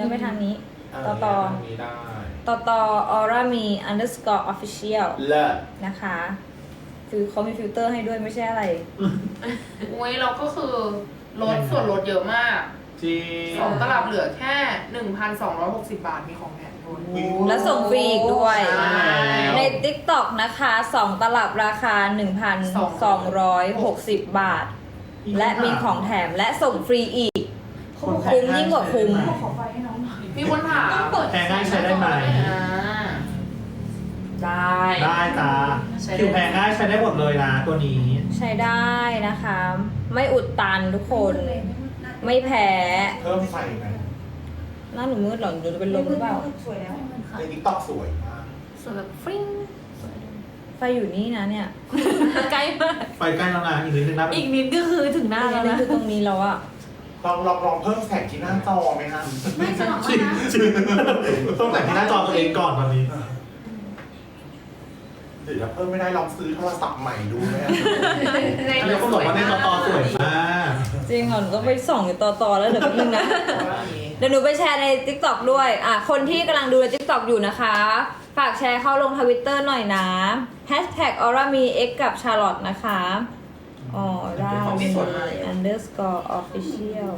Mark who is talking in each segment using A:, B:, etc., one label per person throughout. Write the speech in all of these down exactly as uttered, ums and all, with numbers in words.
A: แล้วไปทางนี้ต่อ
B: ต่
A: ต่
B: อ
A: อ
B: นี้ได้
A: ต่อต่อ aura มี underscore official
B: เลิศ
A: นะคะคือเขามีฟิลเตอร์ให้ด้วยไม่ใช่อะไร
C: อุ้ยเราก็คือลดส่วนลดเยอะมาก
B: จริง
C: สองตลับเหลือแค่ หนึ่งพันสองร้อยหกสิบ บาทมีของแถมด้วย
A: และส่งฟรีอีกด้วย
C: ใช่
A: ใน TikTok นะคะสองตลับราคา หนึ่งพันสองร้อยหกสิบ บาท และมีของแถมและส่งฟรีอีก คุ้มยิ่งกว่าคุ้ม
C: มีคนถาม
D: แพงง่ายใช้ได้ไหม
C: อ่าได้
D: ได้จ้า
C: ใช้ได้
D: ผิวแพงง่ายใช้ได้หมดเลยนะตัวนี้
A: ใช้ได้นะคะ ไม่อุดตันทุกคนไม่แพ้
B: เพิ่มไฟไหม
A: หน้าหนูมืดเหรอหนูจะเป็นลมหรือเปล่า
E: สวยแล้ว
B: ในติ๊กต็อกสวยมาก
C: สวยแบบฟริ้ง
A: ไฟอยู่นี่นะเนี่ย ใกล้มาก
D: ไปใกล้แล้วนะอีกนิดนึงนะ
A: อีกนิดก็คือถึงหน้าแล้วนะคือตรงนี้แล้วอะ
B: ลองลองลองเพิ่มแสงที่หน้าจอไหมฮะ
C: ไม่จะบอก
D: จริง
C: ว่านะ
D: จริงต้องแต่งที่หน้าจอตัวเองก่อนตอนนี้
B: เดี๋ยวถ้าเพิ่มไม่ได้ลองซื้อโทรศัพท์ใหม่ดูไหมฮะ
C: ใน
D: อันนี้เขาบอกว่าในต่อต่อสวยมาก
A: จริงเหรอหนูต้องไปส่องอยู่ต่อต่อแล้วเดี๋ยวแป๊บนึงนะ เดี๋ยวหนูไปแชร์ใน TikTok ด้วย อ่ะ คนที่กำลังดูใน TikTok อยู่นะคะ ฝากแชร์เข้าลงทวิตเตอร์หน่อยนะ Hashtag aura mi x กับ Charlotte นะคะอ๋อได้ underscore official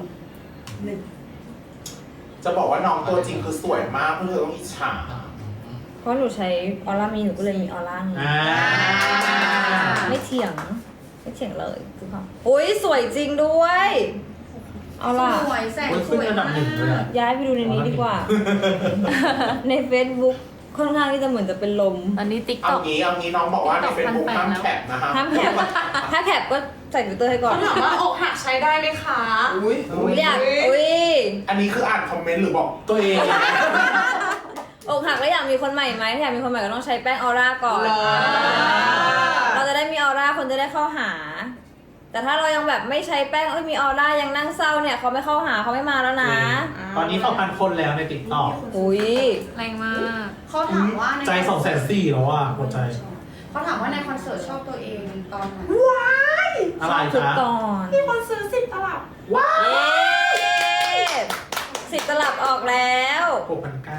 B: จะบอกว่าน้องตัวจริงคือสวยมากเพื่อนเธอต้องอิจฉา
A: เพราะหนูใช้ aura mi หนูก็เลยมี aura นี้
D: อ่า
A: ไม่เถียง ไม่เถียงเลยคือค่ะอุ้ยสวยจริงด้วย เอาล่ะ
C: สวยแสง
D: โอ้ย
C: ส
D: ขึ้น
C: วย
D: อันดับ
C: มา
D: หนึ่งเลย
C: ก
D: อะ
A: ย้ายไปดูในนี้ดีกว่า ใน Facebook ค่อนข้างที่จะเหมือนจะเป็นลม
E: ตอนนี้ติ๊ก
B: เอา
E: ต็อก
B: งี้เอางี้น้องบอกว่าใน
E: TikTok
B: เฟซบุ๊ก
E: พั
B: ห้าน ม
E: แปดแล้ว
B: แคปนะฮะ
A: ห้ามแคปถ้าแคปก็ใส่ฟิลเตอร์ให้ก่อน
C: เขาถามว่าอกหักใช้ได้ไหมคะ
B: อุ้ย
A: อยากอุ้ย
B: อันนี้คืออ่านคอมเมนต์หรือบอก
D: ตัวเอง
A: อกหักแล้วอยากมีคนใหม่ไหมถ้าอยากมีคนใหม่ก็ต้องใช้แป้งออร่าก่อน เราจะได้มีออร่าคนจะได้เข้าหา แต่ถ้าเรายังแบบไม่ใช้แป้งเอ้ยมีออร่ายังนั่งเศร้าเนี่ยเขาไม่เข้าหาเขาไม่มาแล้วนะ
D: ตอนนี้สองพันคนแล้วในติ๊กต็อก
A: อุ้ย
E: แรงมาก
C: เขาถามว่าใน
D: ใจสองแสนสี่แล้วอ่ะหัวใจ
C: เขาถามว่าในคอนเสิร์ตชอบตัวเองตอนไหน
D: อะไร
A: ทุก
D: จ๊ะ
A: ตอน
C: มีคนซื้อสิบตลับ
A: เย้สิบตลับออกแล้ว
D: หกพันเก้า